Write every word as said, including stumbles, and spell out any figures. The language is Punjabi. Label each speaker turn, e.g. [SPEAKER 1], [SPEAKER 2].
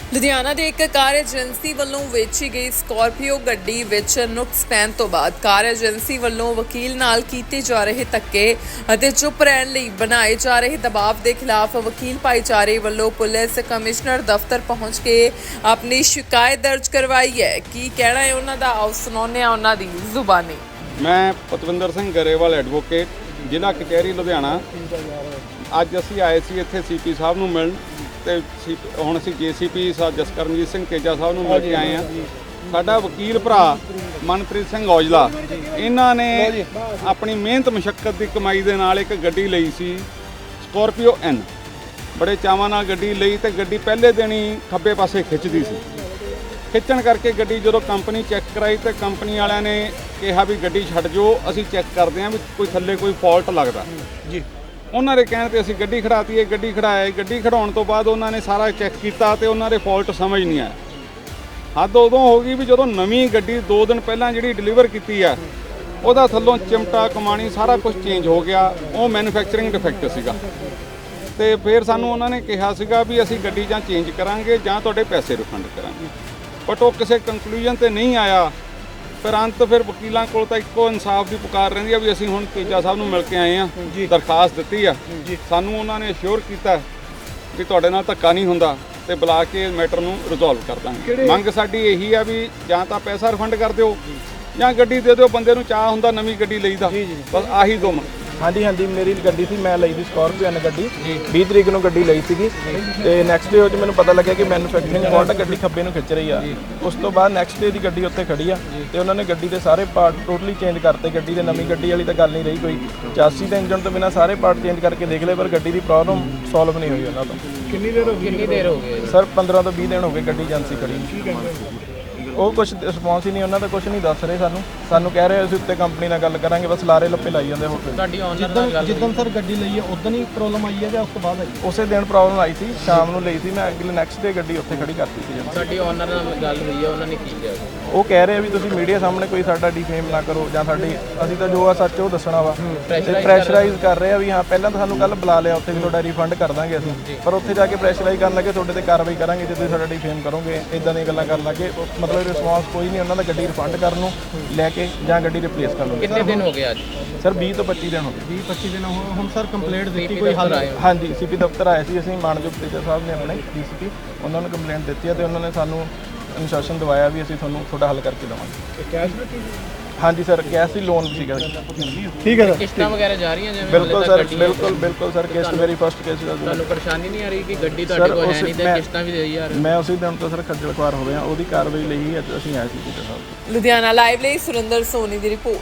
[SPEAKER 1] ਲੁਧਿਆਣਾ ਦੇ ਇੱਕ ਕਾਰ ਏਜੰਸੀ ਵੱਲੋਂ ਵੇਚੀ ਗਈ ਸਕਾਰਪੀਓ ਗੱਡੀ ਵਿੱਚ ਨੁਕਸ ਪੈਣ ਤੋਂ ਬਾਅਦ ਕਾਰ ਏਜੰਸੀ ਵੱਲੋਂ ਵਕੀਲ ਨਾਲ ਕੀਤੇ ਜਾ ਰਹੇ ਧੱਕੇ ਅਤੇ ਚੁੱਪ ਰਹਿਣ ਲਈ ਬਣਾਏ ਜਾ ਰਹੇ ਦਬਾਅ ਦੇ ਖਿਲਾਫ ਵਕੀਲ ਭਾਈਚਾਰੇ ਵੱਲੋਂ ਪੁਲਿਸ ਕਮਿਸ਼ਨਰ ਦਫ਼ਤਰ ਪਹੁੰਚ ਕੇ ਆਪਣੀ ਸ਼ਿਕਾਇਤ ਦਰਜ ਕਰਵਾਈ ਹੈ। ਕੀ ਕਹਿਣਾ ਹੈ ਉਹਨਾਂ ਦਾ, ਆਓ ਸੁਣਾਉਂਦੇ ਹਾਂ ਉਹਨਾਂ ਦੀ ਜ਼ੁਬਾਨੀ।
[SPEAKER 2] ਮੈਂ ਪਤਵਿੰਦਰ ਸਿੰਘ ਗਰੇਵਾਲ ਐਡਵੋਕੇਟ, ਜ਼ਿਲ੍ਹਾ ਕਚਹਿਰੀ ਲੁਧਿਆਣਾ। ਅੱਜ ਅਸੀਂ ਆਏ ਸੀ ਇੱਥੇ ਸੀਪੀ ਸਾਹਿਬ ਨੂੰ ਮਿਲਣ ਤੇ ਹੁਣ ਅਸੀਂ ਜੇਸੀਪੀ ਸਾਹਿਬ ਜਸਕਰਨਜੀਤ ਸਿੰਘ ਤੇਜਾ ਸਾਹਿਬ ਨੂੰ ਮਿਲ ਕੇ ਆਏ ਹਾਂ। ਸਾਡਾ ਵਕੀਲ ਭਰਾ ਮਨਪ੍ਰੀਤ ਸਿੰਘ ਔਜਲਾ, ਇਹਨਾਂ ਨੇ ਆਪਣੀ ਮਿਹਨਤ ਮੁਸ਼ੱਕਤ ਦੀ ਕਮਾਈ ਦੇ ਨਾਲ ਇੱਕ ਗੱਡੀ ਲਈ ਸੀ ਸਕਾਰਪੀਓ ਐਨ। ਬੜੇ ਚਾਵਾਂ ਨਾਲ ਗੱਡੀ ਲਈ ਤੇ ਗੱਡੀ ਪਹਿਲੇ ਦਿਨ ਹੀ ਖੱਬੇ ਪਾਸੇ ਖਿੱਚਦੀ ਸੀ। ਖਿੱਚਣ ਕਰਕੇ ਗੱਡੀ ਜਦੋਂ ਕੰਪਨੀ ਚੈੱਕ ਕਰਾਈ ਤੇ ਕੰਪਨੀ ਵਾਲਿਆਂ ਨੇ ਕਿਹਾ ਵੀ ਗੱਡੀ ਛੱਡ ਜਾਓ, ਅਸੀਂ ਚੈੱਕ ਕਰਦੇ ਹਾਂ ਵੀ ਕੋਈ ਥੱਲੇ ਕੋਈ ਫਾਲਟ ਲੱਗਦਾ ਜੀ। ਉਹਨਾਂ ਦੇ ਕਹਿਣ ਤੇ ਅਸੀਂ ਗੱਡੀ ਖੜਾਤੀ ਹੈ। ਗੱਡੀ ਖੜਾਏ ਗੱਡੀ ਖੜਾਉਣ ਤੋਂ ਬਾਅਦ ਉਹਨਾਂ ਨੇ ਸਾਰਾ ਚੈੱਕ ਕੀਤਾ ਤੇ ਉਹਨਾਂ ਦੇ ਫਾਲਟ ਸਮਝ ਨਹੀਂ ਆਇਆ। ਹੱਦ ਉਦੋਂ ਹੋ ਗਈ ਵੀ ਜਦੋਂ ਨਵੀਂ ਗੱਡੀ ਦੋ ਦਿਨ ਪਹਿਲਾਂ ਜਿਹੜੀ ਡਿਲੀਵਰ ਕੀਤੀ ਆ, ਉਹਦਾ ਥੱਲੋਂ ਚਿਮਟਾ ਕਮਾਣੀ ਸਾਰਾ ਕੁਝ ਚੇਂਜ ਹੋ ਗਿਆ। ਉਹ ਮੈਨੂਫੈਕਚਰਿੰਗ ਡਿਫੈਕਟ ਸੀਗਾ ਤੇ ਫਿਰ ਸਾਨੂੰ ਉਹਨਾਂ ਨੇ ਕਿਹਾ ਸੀਗਾ ਵੀ ਅਸੀਂ ਗੱਡੀ ਜਾਂ ਚੇਂਜ ਕਰਾਂਗੇ ਜਾਂ ਤੁਹਾਡੇ ਪੈਸੇ ਰਿਫੰਡ ਕਰਾਂਗੇ, ਬਟ ਉਹ ਕਿਸੇ ਕੰਕਲੂਜਨ ਤੇ ਨਹੀਂ ਆਇਆ। ਫਿਰ ਅੰਤ ਫਿਰ ਵਕੀਲਾਂ ਕੋਲ ਤਾਂ ਇੱਕੋ ਇਨਸਾਫ ਦੀ ਪੁਕਾਰ ਰਹਿੰਦੀ ਆ ਵੀ ਅਸੀਂ ਹੁਣ ਤੇਜਾ ਸਾਹਿਬ ਨੂੰ ਮਿਲ ਕੇ ਆਏ ਆ, ਦਰਖਾਸਤ ਦਿੱਤੀ ਆ। ਸਾਨੂੰ ਉਹਨਾਂ ਨੇ ਅਸ਼ੋਰ ਕੀਤਾ ਵੀ ਤੁਹਾਡੇ ਨਾਲ ਧੱਕਾ ਨਹੀਂ ਹੁੰਦਾ ਤੇ ਬੁਲਾ ਕੇ ਮੈਟਰ ਨੂੰ ਰਿਜ਼ੋਲਵ ਕਰ ਦਾਂਗੇ। ਮੰਗ ਸਾਡੀ ਇਹੀ ਆ ਵੀ ਜਾਂ ਤਾਂ ਪੈਸਾ ਰਿਫੰਡ ਕਰ ਦਿਓ ਜਾਂ ਗੱਡੀ ਦੇ ਦਿਓ। ਬੰਦੇ ਨੂੰ ਚਾਹ ਹੁੰਦਾ ਨਵੀਂ ਗੱਡੀ ਲਈ ਦਾ, ਬਸ ਆਹੀ ਦੋ ਮੰਗ।
[SPEAKER 3] ਹਾਂਜੀ ਹਾਂਜੀ ਮੇਰੀ ਗੱਡੀ ਸੀ, ਮੈਂ ਲਈ ਸੀ ਸਕਾਰਪੀਓ ਐਨ ਗੱਡੀ। ਵੀਹ ਤਰੀਕ ਨੂੰ ਗੱਡੀ ਲਈ ਸੀਗੀ ਤੇ ਨੈਕਸਟ ਡੇ ਉਹ 'ਚ ਮੈਨੂੰ ਪਤਾ ਲੱਗਿਆ ਕਿ ਮੈਨੂਫੈਕਚਰਿੰਗ ਫਾਲਟ ਗੱਡੀ ਖੱਬੇ ਨੂੰ ਖਿੱਚ ਰਹੀ ਆ। ਉਸ ਤੋਂ ਬਾਅਦ ਨੈਕਸਟ ਡੇ ਦੀ ਗੱਡੀ ਉੱਥੇ ਖੜੀ ਆ ਤੇ ਉਹਨਾਂ ਨੇ ਗੱਡੀ ਦੇ ਸਾਰੇ ਪਾਰਟ ਟੋਟਲੀ ਚੇਂਜ ਕਰਤੇ। ਗੱਡੀ ਦੇ ਨਵੀਂ ਗੱਡੀ ਵਾਲੀ ਤਾਂ ਗੱਲ ਨਹੀਂ ਰਹੀ ਕੋਈ। ਚਾਸੀ ਤੇ ਇੰਜਨ ਤੋਂ ਬਿਨਾਂ ਸਾਰੇ ਪਾਰਟ ਚੇਂਜ ਕਰਕੇ ਦੇਖ ਲਏ, ਪਰ ਗੱਡੀ ਦੀ ਪ੍ਰੋਬਲਮ ਸੋਲਵ ਨਹੀਂ ਹੋਈ ਉਹਨਾਂ ਤੋਂ।
[SPEAKER 4] ਕਿੰਨੀ ਦੇਰ ਹੋ ਗਈ ਕਿੰਨੀ ਦੇਰ ਹੋ ਗਈ
[SPEAKER 3] ਸਰ ਪੰਦਰਾਂ ਤੋਂ ਵੀਹ ਦਿਨ ਹੋ ਗਏ ਗੱਡੀ ਏਜੰਸੀ ਖੜੀ। ਉਹ ਕੁਝ ਰਿਸਪੌਂਸ ਹੀ ਨਹੀਂ, ਉਹਨਾਂ ਦਾ ਕੁਝ ਨਹੀਂ ਦੱਸ ਰਹੇ ਸਾਨੂੰ। ਸਾਨੂੰ ਕਹਿ ਰਹੇ ਅਸੀਂ ਉੱਤੇ ਕੰਪਨੀ ਨਾਲ ਗੱਲ ਕਰਾਂਗੇ, ਬਸ ਲਾਰੇ ਲੱਪੇ ਲਾਈ ਜਾਂਦੇ ਹੋਰ।
[SPEAKER 4] ਤੁਹਾਡੀ ਆਨਲਾਈਨ ਨਾਲ ਗੱਲ
[SPEAKER 5] ਜਿੱਦਣ ਸਰ ਗੱਡੀ ਲਈ ਹੈ ਉਦੋਂ ਹੀ ਪ੍ਰੋਬਲਮ ਆਈ ਹੈ ਜਾਂ ਉਸ ਤੋਂ ਬਾਅਦ ਆਈ?
[SPEAKER 3] ਉਸੇ ਦਿਨ ਪ੍ਰੋਬਲਮ ਆਈ ਸੀ, ਸ਼ਾਮ ਨੂੰ ਲਈ ਸੀ ਮੈਂ। ਅਗਲੇ ਨੈਕਸਟ ਡੇ ਗੱਡੀ ਉੱਥੇ ਖੜੀ ਕਰਤੀ ਸੀ।
[SPEAKER 4] ਸਾਡੀ ਆਨਰ ਨਾਲ ਗੱਲ ਹੋਈ ਹੈ, ਉਹਨਾਂ ਨੇ ਕੀ ਕਿਹਾ?
[SPEAKER 3] ਉਹ ਕਹਿ ਰਹੇ ਆ ਵੀ ਤੁਸੀਂ ਮੀਡੀਆ ਸਾਹਮਣੇ ਕੋਈ ਸਾਡਾ ਡਿਫੇਮ ਨਾ ਕਰੋ ਜਾਂ ਸਾਡੀ, ਅਸੀਂ ਤਾਂ ਜੋ ਆ ਸੱਚ ਉਹ ਦੱਸਣਾ ਵਾ। ਤੇ ਪ੍ਰੈਸ਼ਰਾਈਜ਼ ਕਰ ਰਹੇ ਆ ਵੀ ਹਾਂ ਪਹਿਲਾਂ ਤਾਂ ਸਾਨੂੰ ਕੱਲ ਬੁਲਾ ਲਿਆ ਉੱਥੇ ਵੀ ਤੁਹਾਡਾ ਰਿਫੰਡ ਕਰ ਦਾਂਗੇ ਅਸੀਂ, ਪਰ ਉੱਥੇ ਜਾ ਕੇ ਪ੍ਰੈਸ਼ਰਾਈਜ਼ ਕਰਨ ਲੱਗੇ ਤੁਹਾਡੇ ਤੇ ਕਾਰਵਾਈ ਕਰਾਂਗੇ ਜੇ ਤੁਸੀਂ ਸਾਡਾ ਡਿਫੇਮ ਕਰੋਗੇ, ਇਦਾਂ ਦੀਆਂ ਗੱਲਾਂ ਕਰਨ ਲੱਗੇ। ਮਤਲਬ ਰਿਸਪੌਂਸ ਕੋਈ ਨਹੀਂ ਉਹਨਾਂ ਦਾ ਗੱਡੀ ਰਿਫੰਡ ਕਰਨ ਨੂੰ ਲੈ ਕੇ ਜਾਂ ਗੱਡੀ ਰਿਪਲੇਸ ਕਰ ਲਓ।
[SPEAKER 4] ਕਿੰਨੇ ਦਿਨ ਹੋ ਗਏ ਅੱਜ?
[SPEAKER 3] ਸਰ ਵੀਹ ਤੋਂ ਪੱਚੀ ਦਿਨ ਹੋ ਗਏ।
[SPEAKER 5] ਵੀਹ ਪੱਚੀ ਦਿਨ ਹੋ ਹੁਣ ਸਰ ਕੰਪਲੇਂਟ ਦਿੱਤੀ ਕੋਈ ਹੱਲ?
[SPEAKER 3] ਹਾਂਜੀ ਸੀਪੀ ਦਫ਼ਤਰ ਆਏ ਸੀ ਅਸੀਂ, ਮਾਨਯੋਗ ਤੇਜਾ ਸਾਹਿਬ ਨੇ ਆਪਣੇ ਡੀਸੀਪੀ, ਉਹਨਾਂ ਨੂੰ ਕੰਪਲੇਂਟ ਦਿੱਤੀ ਹੈ ਤੇ ਉਹਨਾਂ ਨੇ ਸਾਨੂੰ ਅਨੁਸ਼ਾਸਨ ਦਵਾਇਆ ਵੀ ਅਸੀਂ ਤੁਹਾਨੂੰ ਤੁਹਾਡਾ ਹੱਲ ਕਰਕੇ ਦੇਵਾਂਗੇ।
[SPEAKER 5] ਕੈਸ਼ ਦਿੱਤੀ?
[SPEAKER 3] ਹਾਂਜੀ ਸਰ ਕੈਸ਼ ਹੀ ਲੋਨ ਸੀਗਾ।
[SPEAKER 5] ਠੀਕ ਹੈ ਸਰ।
[SPEAKER 4] ਕਿਸ਼ਤਾਂ ਵਗੈਰਾ ਜਾ ਰਹੀਆਂ ਜਿਵੇਂ?
[SPEAKER 3] ਬਿਲਕੁਲ ਸਰ, ਬਿਲਕੁਲ ਬਿਲਕੁਲ ਸਰ। ਕਿਸ਼ਤ ਮੇਰੀ ਫਸਟ ਕਿਸ਼ਤ ਦਾ
[SPEAKER 4] ਤੁਹਾਨੂੰ ਪਰੇਸ਼ਾਨੀ ਨਹੀਂ ਆ ਰਹੀ ਕਿ ਗੱਡੀ ਤੁਹਾਡੇ ਕੋਲ ਹੈ ਨਹੀਂ ਤੇ ਕਿਸ਼ਤਾਂ ਵੀ ਦੇਈ ਜਾ ਰਹੇ?
[SPEAKER 3] ਮੈਂ ਉਸੇ ਦਿਨ ਤੋਂ ਸਰ ਖੱਜਲ ਖੁਆਰ ਹੋ ਗਿਆ, ਉਹਦੀ ਕਾਰਵਾਈ ਲਈ ਅੱਜ ਅਸੀਂ ਆਏ ਸੀ ਤੇਜਾ ਸਾਹਿਬ।
[SPEAKER 1] ਲੁਧਿਆਣਾ ਲਾਈਵ ਲਈ ਸੁਰਿੰਦਰ ਸੋਨੀ ਦੀ ਰਿਪੋਰਟ।